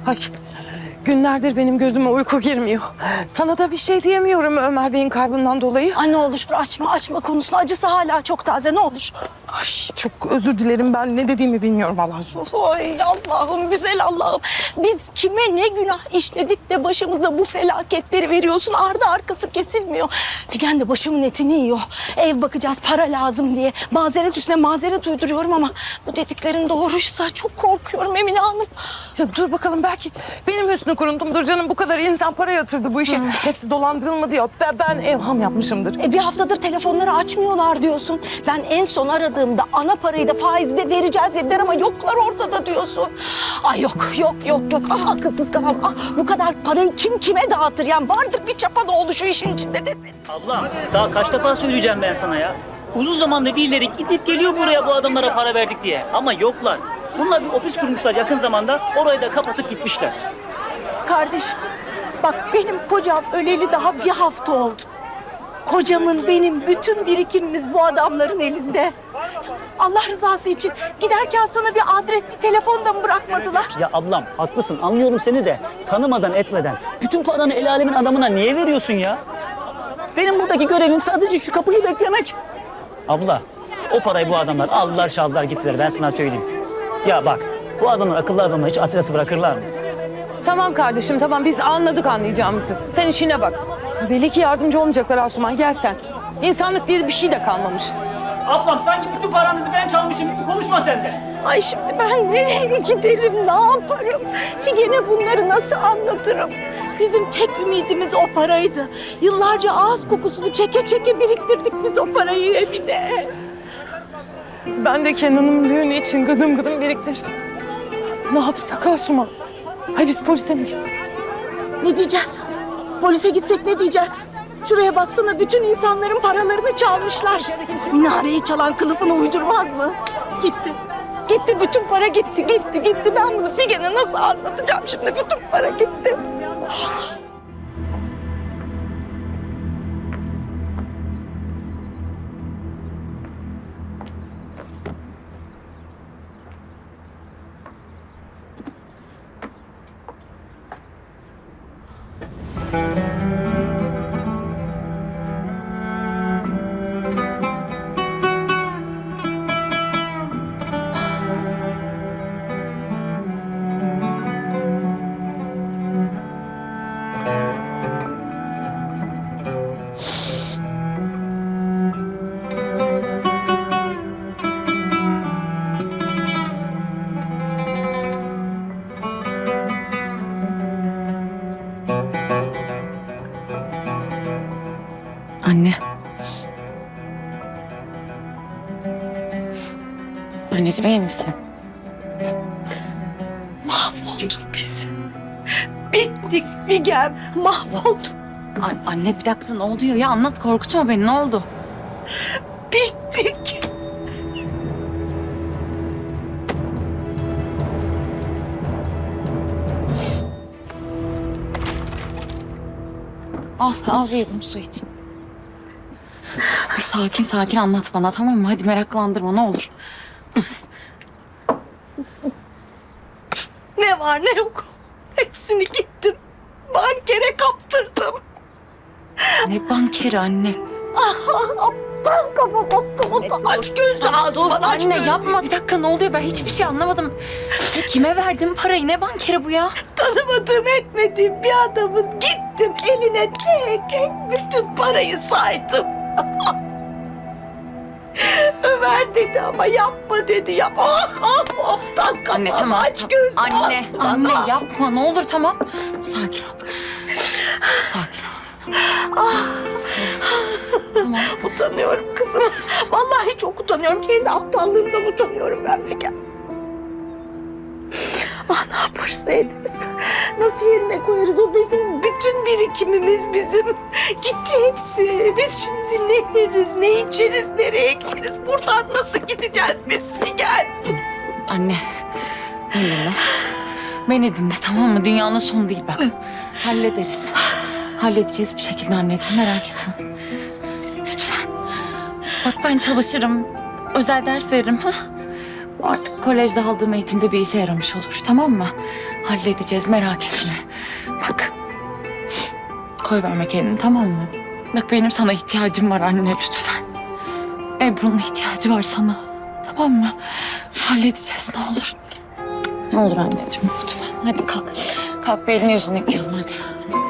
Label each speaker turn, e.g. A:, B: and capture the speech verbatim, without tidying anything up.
A: Ay, günlerdir benim gözüme uyku girmiyor. Sana da bir şey diyemiyorum Ömer Bey'in kaybından dolayı.
B: Ay ne olur açma açma konusunu. Acısı hala çok taze, ne olur.
A: Ay, çok özür dilerim, ben ne dediğimi bilmiyorum Allah aşkına.
B: Ay Allah'ım, güzel Allah'ım. Biz kime ne günah işledik de başımıza bu felaketleri veriyorsun. Ardı arkası kesilmiyor. Figen de başımın etini yiyor. Ev bakacağız, para lazım diye. Mazeret üstüne mazeret uyduruyorum ama bu dediklerin doğruysa çok korkuyorum Emine Hanım.
A: Ya dur bakalım, belki benim hüsnü kuruntumdur canım. Bu kadar insan para yatırdı bu işe. Hepsi dolandırılmadı ya. Ben, ben evham yapmışımdır.
B: E bir haftadır telefonları açmıyorlar diyorsun. Ben en son aradığımda ana parayı da faizi de vereceğiz dediler ama yoklar ortada diyorsun. Ay yok yok yok yok. Ah akılsız kafam. Ah bu kadar parayı kim kime dağıtır? Yani vardır bir çapa da oldu şu işin içinde desin.
C: Ablam daha kaç defa söyleyeceğim ben sana ya. Uzun zamandır birileri gidip geliyor buraya bu adamlara para verdik diye. Ama yoklar. Bunlar bir ofis kurmuşlar yakın zamanda. Orayı da kapatıp gitmişler.
B: Kardeşim bak benim kocam öleli daha bir hafta oldu. Kocamın benim bütün birikimimiz bu adamların elinde. Allah rızası için giderken sana bir adres, bir telefon da mı bırakmadılar?
C: Ya ablam haklısın, anlıyorum seni de. Tanımadan etmeden bütün paranı el alemin adamına niye veriyorsun ya? Benim buradaki görevim sadece şu kapıyı beklemek. Abla o parayı bu adamlar aldılar çaldılar gittiler, ben sana söyleyeyim. Ya bak bu adamlar akıllı adamına hiç adresi bırakırlar mı?
A: Tamam kardeşim, tamam, biz anladık anlayacağımızı. Sen işine bak. Belli ki yardımcı olmayacaklar Asuman, gel sen. İnsanlık diye bir şey de kalmamış.
C: Ablam sanki bütün paranızı ben çalmışım gibi konuşma sen de.
B: Ay şimdi ben nereye giderim, ne yaparım? Figen'e bunları nasıl anlatırım? Bizim tek ümidimiz o paraydı. Yıllarca ağız kokusunu çeke çeke biriktirdik biz o parayı Emine.
A: Ben de Kenan'ın düğünü için gıdım gıdım biriktirdim. Ne yapsak Asuman? Hay biz polise mi gitsek?
B: Ne diyeceğiz? Polise gitsek ne diyeceğiz? Şuraya baksana, bütün insanların paralarını çalmışlar. Minareyi çalan kılıfını uydurmaz mı? Gitti. Gitti, bütün para gitti, gitti, gitti. Ben bunu Figen'e nasıl anlatacağım şimdi? Bütün para gitti.
D: Anne. Anneciğim iyi misin?
B: Mahvolduk biz. Bittik Figen, mahvolduk.
D: An- anne bir dakika ne oluyor ya? Anlat, korkutma beni, ne oldu?
B: Bittik.
D: Al, al bir yudum su iç. Sakin sakin anlat bana, tamam mı? Hadi meraklandırma ne olur.
B: Ne var ne yok. Hepsini gittim. Bankere kaptırdım.
D: Ne bankeri anne?
B: Aptal kafam, aptal aptal. Aç gözlü ağzını, aç
D: Anne
B: gözlü.
D: yapma, bir dakika ne oluyor? Ben hiçbir şey anlamadım. Ya kime verdin parayı? Ne bankeri bu ya?
B: Tanımadığım etmediğim bir adamın gittim eline tek tek bütün parayı saydım. Ömer dedi ama yapma dedi. Yap. Ah, ah, aptal kafam.
D: Anne tamam.
B: Aç
D: tamam.
B: gözlü
D: Anne,
B: ağzını.
D: anne yapma ne olur, tamam. Sakin ol. Sakin ol. Tamam.
B: Utanıyorum kızım. Vallahi çok utanıyorum. Kendi aptallığımdan utanıyorum ben Figen. Ah ne yaparız ne ederiz? Nasıl yerine koyarız? O bizim bütün birikimimiz bizim. Gitti hepsi. Biz şimdi ne yeriz, ne içeriz, nereye gideriz? Buradan nasıl gideceğiz biz Figen?
D: Anne, beni dinle. Beni dinle, tamam mı? Dünyanın sonu değil bak. Hallederiz. Halledeceğiz bir şekilde anneciğim, merak etme. Lütfen. Bak ben çalışırım. Özel ders veririm. Ha? Artık kolejde aldığım eğitimde bir işe yaramış olur, tamam mı? Halledeceğiz, merak etme. Bak. Koy verme kendini, tamam mı? Bak benim sana ihtiyacım var anne, lütfen. Ebru'nun ihtiyacı var sana. Tamam mı? Halledeceğiz ne olur. Ne olur anneciğim lütfen. Hadi kalk. Kalk bir elini yüzünü yıkayalım hadi.